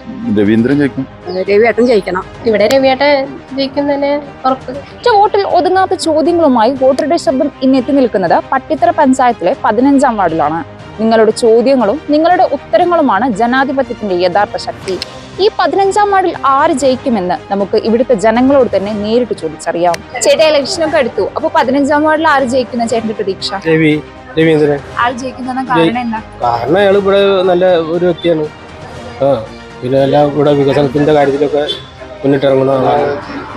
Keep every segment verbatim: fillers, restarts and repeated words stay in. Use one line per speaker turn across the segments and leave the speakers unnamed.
രവീന്ദ്രൻ ജയിക്കും.
രവിയേട്ടൻ ജയിക്കണം.
ഇവിടെ രവിയേട്ടൻ ജയിക്കുന്നതിന് ഉറപ്പ്.
വോട്ടിൽ ഒതുങ്ങാത്ത ചോദ്യങ്ങളുമായി വോട്ടറുടെ ശബ്ദം ഇന്ന് എത്തി നിൽക്കുന്നത് പട്ടിത്തറ പഞ്ചായത്തിലെ പതിനഞ്ചാം വാർഡിലാണ്. നിങ്ങളുടെ ചോദ്യങ്ങളും നിങ്ങളുടെ ഉത്തരങ്ങളുമാണ് ജനാധിപത്യത്തിന്റെ യഥാർത്ഥ ശക്തി. ഈ പതിനഞ്ചാം വാർഡിൽ ആര് ജയിക്കുമെന്ന് നമുക്ക് ഇവിടുത്തെ ജനങ്ങളോട് തന്നെ നേരിട്ട് ചോദിച്ചറിയാം. ചേട്ടാ, ഇലക്ഷനൊക്കെ എടുത്തു. അപ്പൊ പതിനഞ്ചാം വാർഡിൽ ആര് ജയിക്കുന്ന ചേട്ടന്റെ പ്രതീക്ഷ?
രവീന്ദ്രൻ.
ആൾ ജയിക്കുന്ന കാരണം എന്താ?
കാരണം അയാൾ ഇവിടെ നല്ല ഒരു വ്യക്തിയാണ്. ആ പിന്നെ എല്ലാം ഇവിടെ വികസനത്തിന്റെ കാര്യത്തിലൊക്കെ മുന്നിട്ടിറങ്ങുന്ന ആളാണ്.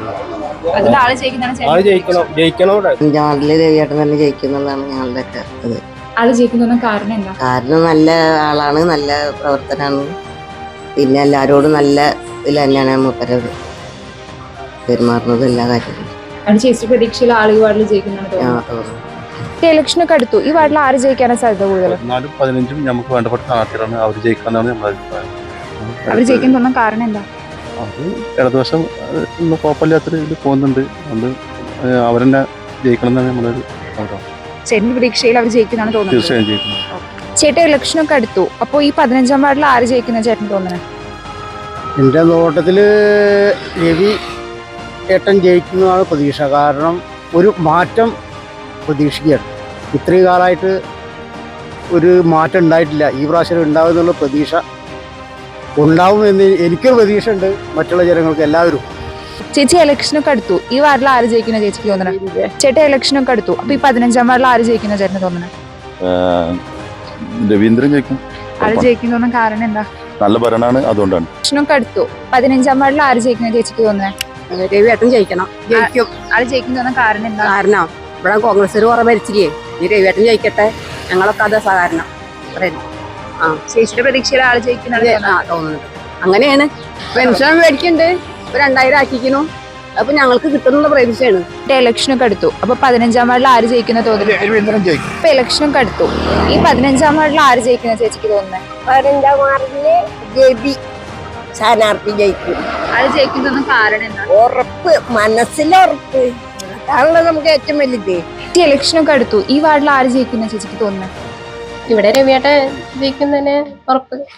ആള് ജയിക്കുന്ന
ആള് ജയിക്കണം ജയിക്കണം ഇവിടെ.
വാർഡില് രവിയേട്ടൻ തന്നെ ജയിക്കുന്നുള്ളതാണ് ഞങ്ങളുടെ ഒക്കെ ഇത്.
ആള് ജയിക്കുന്ന കാരണം എന്താ?
കാരണം നല്ല ആളാണ്, നല്ല പ്രവർത്തനാണ്. പിന്നെ എല്ലാരോടും നല്ല ഇതിൽ തന്നെയാണ് മൂപ്പരത് പെരുമാറുന്നത് എല്ലാ കാര്യങ്ങളും.
ചേച്ചി പ്രതീക്ഷയിൽ ആള് ഈ വാർഡിൽ ജയിക്കുന്നതാണ്. ഇലക്ഷനൊക്കെ അടുത്തു. ഈ വാർഡിൽ ആര് ജയിക്കാനാണ് സാധ്യത കൂടുതൽ?
പതിനാലും പതിനഞ്ചും നമുക്ക് വേണ്ടപ്പെട്ട സ്ഥാനാർത്ഥികളാണ്. അവർ ജയിക്കാന്നാണ് നമ്മുടെ അഭിപ്രായം.
അവർ ജയിക്കാൻ തോന്നുന്ന കാരണം എന്താ?
അത് ഇടതുവശം ഒന്നും കുഴപ്പമില്ലാത്തൊരു ഇത് പോകുന്നുണ്ട്. അതുകൊണ്ട് അവരെന്നെ ജയിക്കണം എന്നാണ് നമ്മുടെ ഒരു ആഗ്രഹം.
ചേട്ടന്റെ പ്രതീക്ഷയിൽ അവർ ജയിക്കുന്നതാണ് തോന്നുന്നത്.
തീർച്ചയായും ജയിക്കുന്നത്.
ചേട്ടാ, ഇലക്ഷനൊക്കെ അടുത്തു. അപ്പൊ ഈ പതിനഞ്ചാം വാർഡിൽ ആര് ജയിക്കുന്ന ചേട്ടൻ തോന്നണേ?
എൻ്റെ നോട്ടത്തില് രവി ഏട്ടൻ ജയിക്കുന്നതാണ് പ്രതീക്ഷ. കാരണം ഒരു മാറ്റം പ്രതീക്ഷിക്കുകയാണ്. ഇത്രയും കാലമായിട്ട് ഒരു മാറ്റം ഉണ്ടായിട്ടില്ല. ഈ പ്രാവശ്യം ഉണ്ടാവും എന്നുള്ള പ്രതീക്ഷ ഉണ്ടാവും എന്ന് എനിക്കൊരു പ്രതീക്ഷ ഉണ്ട്. മറ്റുള്ള ജനങ്ങൾക്ക് എല്ലാവരും.
ചേച്ചി, ഇലക്ഷനൊക്കെ അടുത്തു. ഈ വാർഡിൽ ആര് ജയിക്കുന്ന ചേച്ചിക്ക് തോന്നണേ? ചേട്ടാ, ഇലക്ഷനൊക്കെ അടുത്തു. അപ്പൊ ഈ പതിനഞ്ചാം വാർഡിൽ ആര് ജയിക്കുന്ന ചേട്ടന് തോന്നണേ?
രവീന്ദ്രൻ ജയിക്കും.
ആര് ജയിക്കുന്ന തോന്നുന്ന കാരണം എന്താ?
നല്ല ഭരണമാണ്, അതുകൊണ്ടാണ്.
ഇലക്ഷനൊക്കെ അടുത്തു. പതിനഞ്ചാം വാർഡിൽ ആര് ജയിക്കുന്ന ചേച്ചിക്ക് തോന്നണേ?
രവിയേട്ടൻ ജയിക്കണം. ജയിക്കും.
ആര് ജയിക്കുന്ന തോന്നുന്ന കാരണം എന്താ?
കാരണം ഇവിടെ കോൺഗ്രസ് കുറെ ഭരിച്ചില്ലേ. ഈ രവിയേട്ടൻ ജയിക്കട്ടെ, ഞങ്ങളൊക്കെ അത് സഹകരണം പറയുന്നു. ആ
ചേച്ചിയുടെ പ്രതീക്ഷയിൽ ആള് ജയിക്കുന്ന
ആ തോന്നുന്നുണ്ട്. അങ്ങനെയാണ്. പെൻഷൻ മേടിക്കുന്നുണ്ട്. ഇപ്പൊ രണ്ടായിരം ആക്കിക്കുന്നു. അപ്പൊ ഞങ്ങൾക്ക് കിട്ടുന്നുള്ള പ്രതീക്ഷയാണ്.
ഇലക്ഷനൊക്കെ അടുത്തു. അപ്പൊ പതിനഞ്ചാം വാർഡിൽ ആര് ജയിക്കുന്ന തോന്നുന്നു?
രവീന്ദ്രൻ ജയിക്കും.
ഇപ്പൊ ഇലക്ഷനൊക്കെ അടുത്തു. ഈ പതിനഞ്ചാം വാർഡിൽ ആര് ജയിക്കുന്ന ചേച്ചിക്ക് തോന്നുന്നേ?
പതിനഞ്ചാം വാർഡില് രവി സ്ഥാനാർത്ഥി ജയിക്കും.
ആള് ജയിക്കുന്ന കാരണം എന്താ?
ഉറപ്പ്, മനസ്സിലുറപ്പ്. അതാണല്ലോ നമുക്ക് ഏറ്റവും വലുത്.
ഈ ഇലക്ഷനൊക്കെ അടുത്തു. ഈ വാർഡിൽ ആര് ജയിക്കുന്ന ചേച്ചിക്ക് തോന്നുന്നേ?
ഇവിടെ രവിയേട്ടൻ ജയിക്കുന്നതിന് ഉറപ്പ്.